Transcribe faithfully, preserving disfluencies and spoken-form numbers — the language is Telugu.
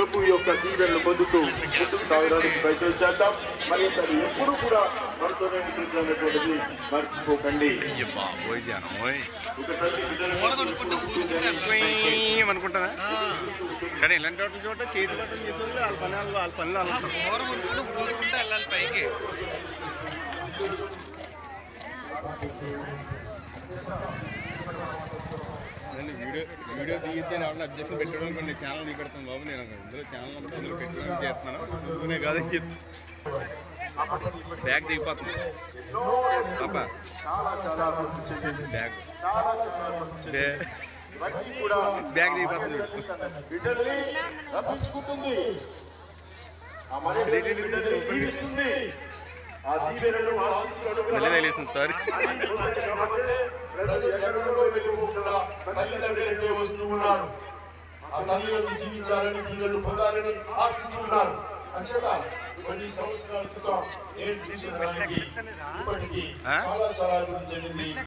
ప్రభు యొక్క దీవెనలు పొందుతూ ముందుకు సాగడానికి ప్రయత్నం చేద్దాం. మరి అది ఎప్పుడు కూడా మనతోనే ఉంటుందనేటువంటిది మర్చిపోకండి. అనుకుంటారా కానీ ఇలాంటి వాటి చోట చేతి బట్టలు చేసేవాళ్ళు వాళ్ళ పని వాళ్ళ పనులు వెళ్ళాలి పైకి. నేను వీడియో వీడియో తీయితే వాళ్ళని అబ్జెక్షన్ పెట్టడం కొన్ని ఛానల్ దిగి పెడతాను బాబు. నేను ఇందులో ఛానల్ అంతా అందులో పెట్టడానికి చేస్తున్నాను. అందుకునే కాదని చెప్పి బ్యాగ్ దిగిపోతుంది పాప. బ్యాగ్ బ్యాగ్ దిగిపోతుంది. మళ్ళీ తెలియదు సారీ. జీవించాలని దీవెనలు పొందాలని ఆశిస్తున్నారు. అంచేత కొన్ని సంవత్సరాల క్రితం నేను చూసిన దానికి ఇప్పటికీ చాలా చాలా జరిగింది.